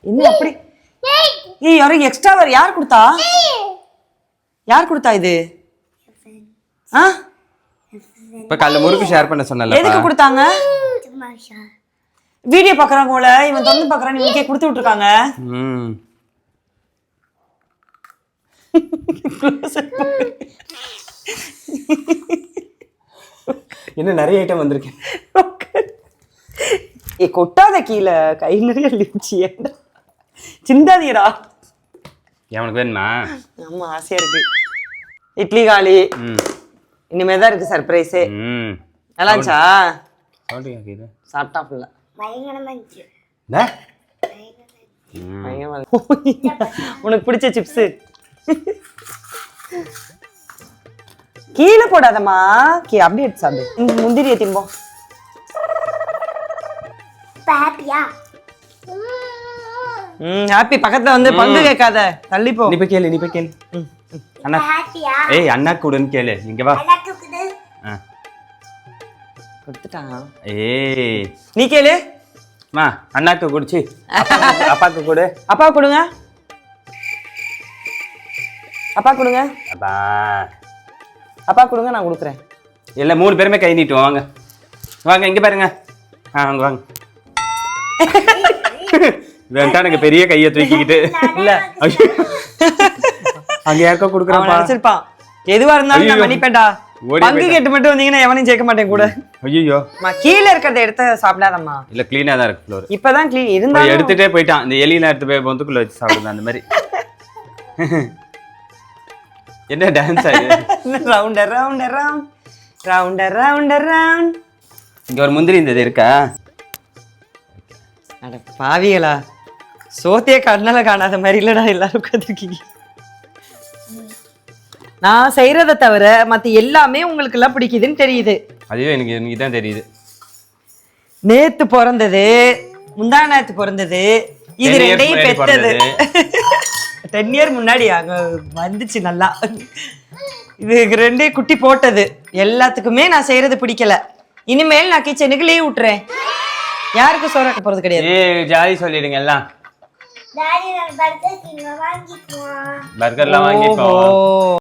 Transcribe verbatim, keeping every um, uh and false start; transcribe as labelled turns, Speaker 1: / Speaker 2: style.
Speaker 1: என்ன அப்படி ஏய் யாரும் எக்ஸ்ட்ரா வேற யார் கொடுத்தா யார் கொடுத்தா இது ஆ
Speaker 2: இப்ப காலைல முறுக்கு ஷேர் பண்ண சொன்னல
Speaker 1: எதுக்கு கொடுத்தாங்க வீடியோ பாக்குறாங்க போல இவன் தொந்து பாக்குறான் இவனுக்கே கொடுத்து விட்டுருக்காங்க
Speaker 2: ம் என்ன நிறைய ஐட்டம் வந்திருக்கு
Speaker 1: ஏ கொட்டாத கீழே கை நிறைய லிப்ச்சி சிந்தாதீரா
Speaker 2: உனக்கு வேணுமா
Speaker 1: ஆமா ஆசையா இருக்கு இட்லி காலி இனிமே தான் இருக்கு சர்ப்ரைஸ்
Speaker 2: ம்
Speaker 1: நல்லா இருந்துச்சா
Speaker 2: சவுண்ட் கேக்குது
Speaker 1: சாப்பிட்டா ஃபுல்லா
Speaker 3: பயங்கரமா இருந்துச்சு
Speaker 2: டே
Speaker 1: உனக்கு பிடிச்ச சிப்ஸ் கீழே போடாதம்மா கீ அப்படியே எடுத்து சாப்பிடு முந்திரியை திம்போம்
Speaker 3: ஹாப்பியா
Speaker 1: ம் ஹாப்பி பக்கத்துல வந்து பங்கு கேட்காத தள்ளி போ
Speaker 2: நீ போய் கேளு நீ போய் கேளு அண்ணா
Speaker 3: ஹாப்பியா
Speaker 2: ஏய் அண்ணா கூடன்னு கேளு இங்க வா
Speaker 3: எனக்கு குடு
Speaker 2: ஆ
Speaker 1: கொடுத்துட்டான்
Speaker 2: ஏய்
Speaker 1: நீ கேளு
Speaker 2: மா அண்ணாக்கு குடிச்சி அப்பாக்கு கொடு
Speaker 1: அப்பா கொடுங்க அப்பா கொடுங்க
Speaker 2: அப்பா
Speaker 1: அப்பா கொடுங்க நான் கொடுக்குறேன்
Speaker 2: இல்ல மூணு பேருமே கை நீட்டுவோம் வாங்க வாங்க இங்க பாருங்க ஆ வாங்க வாங்க வேண்டாம் எனக்கு பெரிய கையை தூக்கிக்கிட்டு
Speaker 1: இல்ல
Speaker 2: அங்க யாருக்கோ
Speaker 1: அவன்
Speaker 2: கொடுக்குறப்பா
Speaker 1: நினைச்சிருப்பான் எதுவா இருந்தாலும் நான்
Speaker 2: ஐயோ.
Speaker 1: மன்னிப்பேன்டா
Speaker 2: ஓடி
Speaker 1: பங்கு
Speaker 2: போயிட்டான்.
Speaker 1: கேட்டு மட்டும் வந்தீங்கன்னா எவனையும் சேர்க்க மாட்டேன் கூட
Speaker 2: ஐயோ
Speaker 1: அம்மா, கீழே இருக்கிறத எடுத்து சாப்பிடாதம்மா
Speaker 2: இல்ல கிளீனா தான் இருக்கு ஃப்ளோர்
Speaker 1: இப்பதான் கிளீன் இருந்தாலும்
Speaker 2: எடுத்துட்டே போயிட்டான் இந்த எலியெல்லாம் எடுத்து போய் பொந்துக்குள்ள வச்சு சாப்பிடுது அந்த மாதிரி என்ன டான்ஸ் ஆகுது
Speaker 1: round round round round round round
Speaker 2: இங்க ஒரு முந்திரி இந்த இது இருக்கா
Speaker 1: அட பாவிகளா சோத்தையே கண்ணால காணாத மாதிரி இல்லடா எல்லாரும் உட்காந்துருக்கீங்க நான் செய்யறத தவிர மத்த எல்லாமே உங்களுக்கு எல்லாம் பிடிக்குதுன்னு தெரியுது
Speaker 2: அதுவே எனக்கு இன்னைக்கு தான் தெரியுது
Speaker 1: நேத்து பிறந்தது முந்தா நேத்து பிறந்தது இது
Speaker 2: ten years
Speaker 1: ரெண்டையும்
Speaker 2: முன்னாடி
Speaker 1: பெத்தது டென் இயர் முன்னாடி அங்க வந்துச்சு நல்லா இது ரெண்டையும் குட்டி போட்டது எல்லாத்துக்குமே நான் செய்யறது பிடிக்கல இனிமேல் நான் கிச்சனுக்கு லீவ் விட்டுறேன் யாருக்கும் சோறாக்க போறது கிடையாது
Speaker 2: ஏய் ஜாலி சொல்லிடுங்க எல்லாம்
Speaker 3: டாடி நான் பர்கர் கிங்க வாங்கிக்குவோம்
Speaker 2: பர்கர்லாம் வாங்கிப்போம்
Speaker 1: ஓஹோ